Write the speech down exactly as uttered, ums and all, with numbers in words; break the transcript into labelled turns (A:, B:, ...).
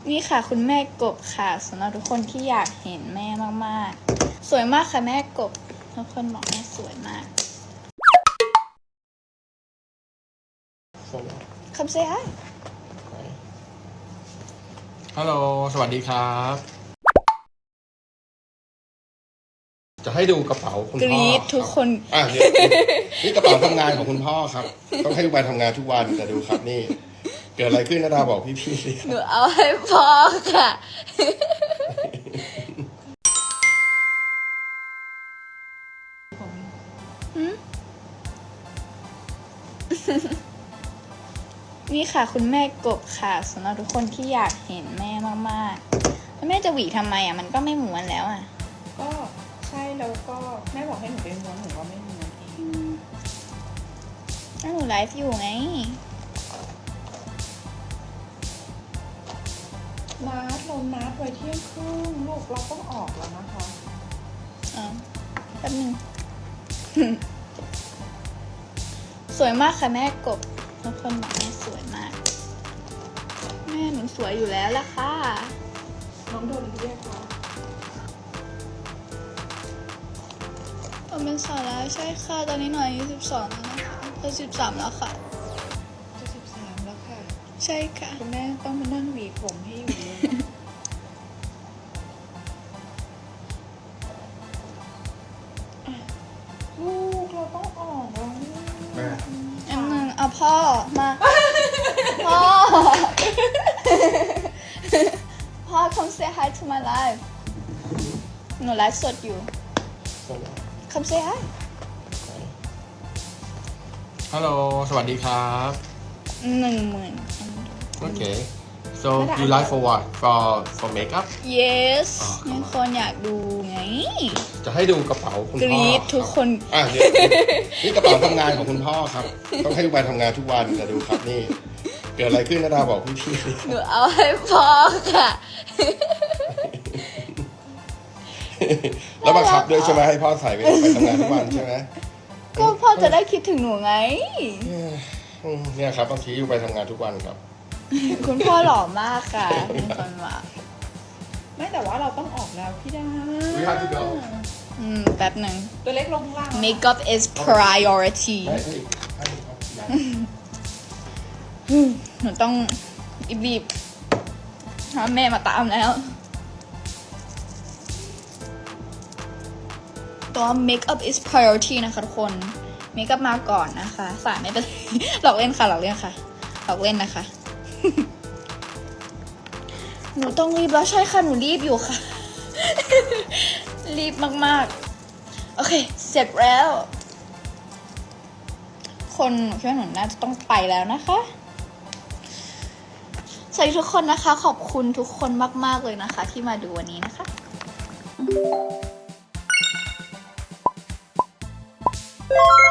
A: นี่ค่ะคุณแม่กบค่ะสำหรับทุกคนที่อยากเห็นแม่มากๆสวยมากค่ะแม่กบทุกคนบอกแม่สวยมากคำเซฮาย
B: ฮัลโหลสวัสดีครับจะให้ดูกระเป๋าคุณพ่อก
A: รี๊ดทุกคน
B: อ่ะนี่กระเป๋าทำงานของคุณพ่อครับต้องให้ลูกไปทำงานทุกวันแต่ดูครับนี่เกิดอะไรขึ้นนะดาบอกพี่ๆสิครับ
A: หนูเอาให้พ่อค่ะนี่ค่ะคุณแม่กบค่ะสำหรับทุกคนที่อยากเห็นแม่มากๆแล้วแม่จะหวีทำไมอ่ะมันก็ไม่ม้วนแล้วอ่ะ
C: ก็ใช่แล้วก็แม่บอกให้หนูไปม้วนหนูก็ไม่ม้วนเอง
A: แล้วหนูไลฟ์อยู่ไง
C: นัดเรานัดไว้เที่ยงครึ่งลูกเราต้องออกแล้วนะคะ
A: อ๋อแป๊บนึง สวยมากค่ะแม่กบทุกคนบอกแม่สวยมากแม่หนูสวยอยู่แล้วล่ะค่ะ
C: น้องโดนเรียกว่า
A: ผมเป็นสาวแล้วใช่ค่ะตอนนี้หน่อยอายุสิบสองแล้วนะคะจะสิบสามแล้วค่ะ
C: จะสิบสามแล้วค่ะ
A: ใช่ค่ะ
C: คุณแม่ต้องมานั่งหวีผมให้อยู่เลยลูกเราต้องออกแล้ว
B: แม่
A: อันหนึ่งเอาพ่อมาพ่อพ่อ come say hi to my live หนูไลฟ์สดอยู่ come say hi
B: ฮัลโหลสวัสดีครับ
A: หนึ่งหมื่น
B: โอเค so you like for what for for makeup
A: yes มีคนอยากดูไง
B: จะให้ดูกระเป๋าคุณพ่อก
A: รี๊ดทุกคน
B: อ่ะนี่กระเป๋าทำงานของคุณพ่อครับต้องให้ลูกไปทำงานทุกวันแต่ดูครับนี่เกิดอะไรขึ้นนะดาบอกพี่ๆสิครับ
A: หนูเอาให้พ่อค่ะ
B: แล้วบังคับด้วยใช่ไหมให้พ่อใส่ไปไปทำงานทุกวันใช่ไหม
A: ก็พ่อจะได้คิดถึงหนูไง
B: เนี่ยครับบางทีอยู่ไปทำงานทุกวันครับ
A: คุณพ่อหล่อมากค่ะคุณคนว่า
C: ไม่แต่ว่าเราต้องออกแล้วพี่ดา
B: We have to go
A: อืมแป๊บหนึ่ง
C: ตัวเล็กลงล่าง
A: Makeup is priority หนูต้องรีบๆหาแม่มาตามแล้วตัว Makeup is priority นะคะทุกคน Makeup มาก่อนนะคะสายไม่เป็น หลอกเล่นค่ะหลอกเล่นค่ะหลอกเล่นนะคะ หนูต้องรีบแล้วใช่ค่ะหนูรีบอยู่ค่ะ รีบมากๆโอเคเสร็จแล้วคนหนูคิดว่าหนูน่าจะต้องไปแล้วนะคะสวัสดีทุกคนนะคะขอบคุณทุกคนมากๆเลยนะคะที่มาดูวันนี้นะคะ